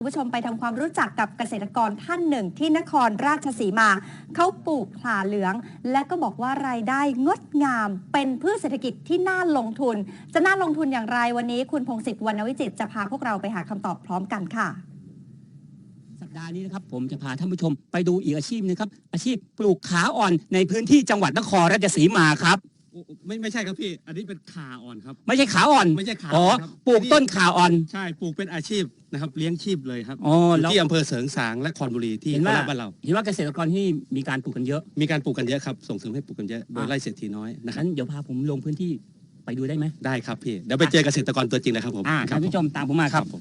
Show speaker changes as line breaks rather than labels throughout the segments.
คุณผู้ชมไปทำความรู้จักกับเกษตรกรท่านหนึ่งที่นครราชสีมาเขาปลูกข่าเหลืองและก็บอกว่ารายได้งดงามเป็นพืชเศรษฐกิจที่น่าลงทุนจะน่าลงทุนอย่างไรวันนี้คุณพงศิษฐ์วรรณวิจิตรจะพาพวกเราไปหาคำตอบพร้อมกันค่ะ
สัปดาห์นี้นะครับผมจะพาท่านผู้ชมไปดูอีกอาชีพนึงครับอาชีพปลูกขาอ่อนในพื้นที่จังหวัดนครราชสีมาครับ
ไม่ใช่ครับพี่อันนี้เป็นขาอ่อนครับ
ไม่ใช่ขาอ่อน
ไม่ใช่ขา
อ๋อปลูกต้นขาอ่อน
ใช่ปลูกเป็นอาชีพนะครับเลี้ยงชีพเลยครับ
ที่
อำเภอเสริงสางและคอนบุรีที่โคราชบ้านเรา
เห็นว่าเกษตรกรที่มีการปลูกกันเยอะ
มีการปลูกกันเยอะครับส่งเสริมให้ปลูกกันเยอะโดยไร่เศรษฐีน้อยนะครับ
เดี๋ยวพาผมลงพื้นที่ไปดูได้ไหม
ได้ครับพี่เดี๋ยวไปเจอเกษตรกรตัวจริงเลยครับผม
ท่านผู้ชมตามผมมาครับ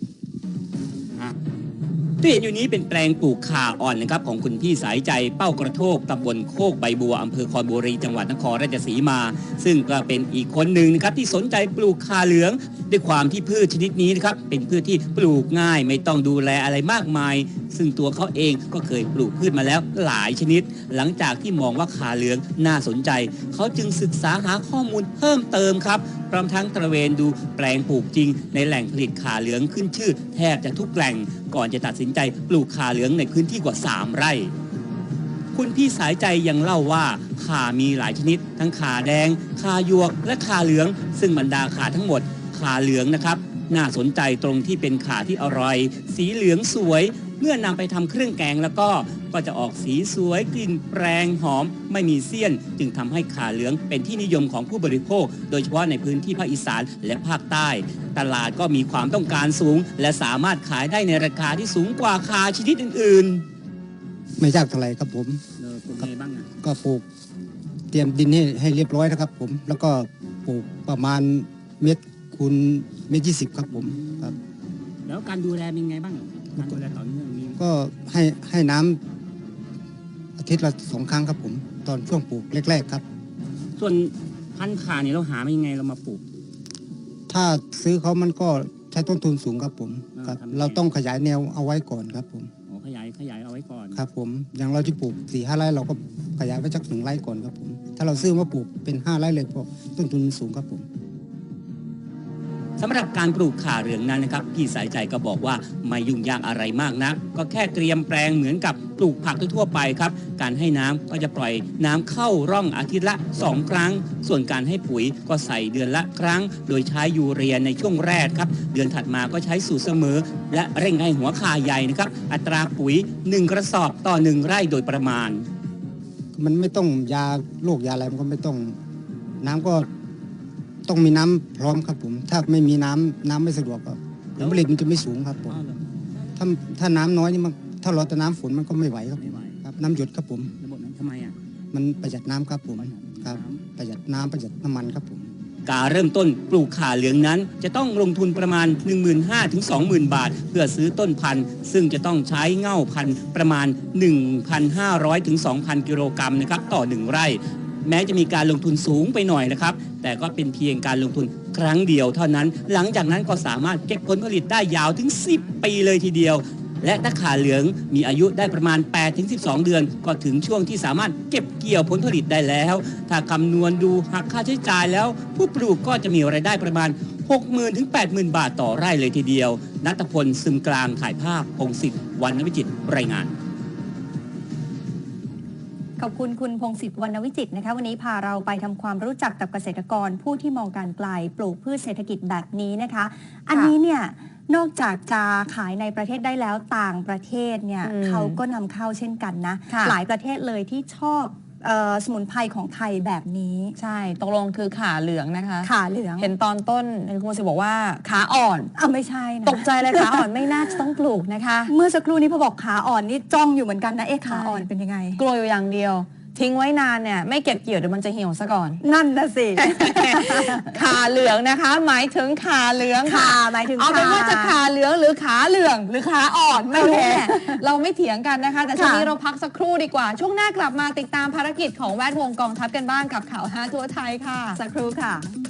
ที่เห็นอยู่นี้เป็นแปลงปลูกข่าอ่อนนะครับของคุณพี่สายใจเป้ากระโทกตำบลโคกใบบัวอำเภอคอนบุรีจังหวัดนครราชสีมาซึ่งก็เป็นอีกคนหนึ่งนะครับที่สนใจปลูกข่าเหลืองด้วยความที่พืชชนิดนี้นะครับเป็นพืชที่ปลูกง่ายไม่ต้องดูแลอะไรมากมายซึ่งตัวเขาเองก็เคยปลูกพืชมาแล้วหลายชนิดหลังจากที่มองว่าข่าเหลืองน่าสนใจเขาจึงศึกษาหาข้อมูลเพิ่มเติมครับพร้อมทั้งตระเวนดูแปลงปลูกจริงในแหล่งผลิตข่าเหลืองขึ้นชื่อแทบจะทุกแหล่งก่อนจะตัดสินใจปลูกข่าเหลืองในพื้นที่กว่า3ไร่คุณพี่สายใจยังเล่าว่าข่ามีหลายชนิดทั้งข่าแดงข่าหยวกและข่าเหลืองซึ่งบรรดาข่าทั้งหมดข่าเหลืองนะครับน่าสนใจตรงที่เป็นข่าที่อร่อยสีเหลืองสวยเมื่อนำไปทำเครื่องแกงแล้วก็จะออกสีสวยกลิ่นแปรงหอมไม่มีเสี้ยนจึงทำให้ข่าเหลืองเป็นที่นิยมของผู้บริโภคโดยเฉพาะในพื้นที่ภาคอีสานและภาคใต้ตลาดก็มีความต้องการสูงและสามารถขายได้ในราคาที่สูงกว่าข่าชนิดอื่น
ๆไม่ยากเท่าไหร่ครับผม
ปลูกไงบ้าง
ก็ปลูกเตรียมดินให้เรียบร้อยนะครับผมแล้วก็ปลูกประมาณเมตรคูณ1.20 ครับผมครับ
แล้วการดูแลเป็นไงบ้างการดูแลต่อเนื่อง
ก็ให้น้ำอาทิตย์ละ2 ครั้งครับผมตอนช่วงปลูกแรกๆครับ
ส่วนพันธุ์ข่าเนี่ยเราหามายังไงเรามาปลูก
ถ้าซื้อเขามันก็ใช้ต้นทุนสูงครับผมครับเราต้องขยายแนวเอาไว้ก่อนครับผม
ขยายเอาไว้ก่อน
ครับผมอย่างเราที่ปลูก 4-5 ไร่เราก็ขยายไว้สัก1 ไร่ก่อนครับผมถ้าเราซื้อมาปลูกเป็น5 ไร่เลยเพราะต้นทุนสูงครับผม
สำหรับการปลูกข่าเหลืองนั้นนะครับพี่สายใจก็บอกว่าไม่ยุ่งยากอะไรมากนักก็แค่เตรียมแปลงเหมือนกับปลูกผักทั่วไปครับการให้น้ำก็จะปล่อยน้ำเข้าร่องอาทิตย์ละ2 ครั้งส่วนการให้ปุ๋ยก็ใส่เดือนละครั้งโดยใช้ยูเรียในช่วงแรกครับเดือนถัดมาก็ใช้สูตรเสมอและเร่งให้หัวข่าใหญ่นะครับอัตราปุ๋ย1 กระสอบต่อ1 ไร่โดยประมาณ
มันไม่ต้องยาโรคยาอะไรมันก็ไม่ต้องน้ำก็ต้องมีน้ำพร้อมครับผมถ้าไม่มีน้ำไม่สะดวกครับผลผลิตมันจะไม่สูงครับผมถ้าน้ำน้อยนี่มันถ้าเราแต่น้ำฝนมันก็ไม่ไหวครับน้ำหยดครับผม
ระบบนั้นทำไม
มันประหยัดน้ำครับผมครับประหยัดน้ำประหยัดน้ำมันครับผม
การเริ่มต้นปลูกข่าเหลืองนั้นจะต้องลงทุนประมาณ 15,000 ถึง 20,000 บาทเพื่อซื้อต้นพันธุ์ซึ่งจะต้องใช้เง่าพันธุ์ประมาณ 1,500 ถึง 2,000 กิโลกรัมนะครับต่อ1 ไร่แม้จะมีการลงทุนสูงไปหน่อยนะครับแต่ก็เป็นเพียงการลงทุนครั้งเดียวเท่านั้นหลังจากนั้นก็สามารถเก็บผลผลิตได้ยาวถึง10 ปีเลยทีเดียวและถ้าข่าเหลืองมีอายุได้ประมาณ 8-12 เดือนก็ถึงช่วงที่สามารถเก็บเกี่ยวผลผลิตได้แล้วถ้าคำนวณดูหักค่าใช้จ่ายแล้วผู้ปลูกก็จะมีรายได้ประมาณ 60,000 ถึง 80,000 บาทต่อไร่เลยทีเดียวณัฐพล ซึมกลางถ่ายภาพพงศิษฐ์ วรรณวิจิตรรายงาน
ขอบคุณคุณพงศิษฐ์ วรรณวิจิตรนะคะวันนี้พาเราไปทำความรู้จักกับเกษตรกรผู้ที่มองการไกลปลูกพืชเศรษฐกิจแบบนี้นะคะอันนี้เนี่ยนอกจากจะขายในประเทศได้แล้วต่างประเทศเนี่ยเขาก็นำเข้าเช่นกันนะหลายประเทศเลยที่ชอบสมุนไพรของไทยแบบนี้
ใช่ตกลงคือขาเหลืองนะคะ
ขาเหลือง
เห็นตอนต้นคุณสิบอกว่าขาอ่อน
ไม่ใช่นะ
ตกใจเลยขาอ่อนไม่น่าจะต้องปลูกนะคะ
เมื่อสักครู่นี้พอบอกขาอ่อนนี่จ้องอยู่เหมือนกันนะขาอ่อนเป็นยังไง
กลัวอยู่อย่างเดียวทิ้งไว้นานเนี่ยไม่เก็บเกี่ยวเดี๋ยวมันจะเหี่ยวซะก่อน
นั่นนะสิ
ขาเหลืองนะคะหมายถึงขาเหลือง
ขาหมายถึง
เอาเป็นว่าจะขาเหลืองหรือขาเหลืองหรือขาอ่อนไม่รู้เนี่ยเราไม่เถียงกันนะคะแต่ช่วงนี้เราพักสักครู่ดีกว่าช่วงหน้ากลับมาติดตามภารกิจของแวดวงกองทัพกันบ้างกับข่าว5ทั่วไทยค่ะ
สักครู่ค่ะ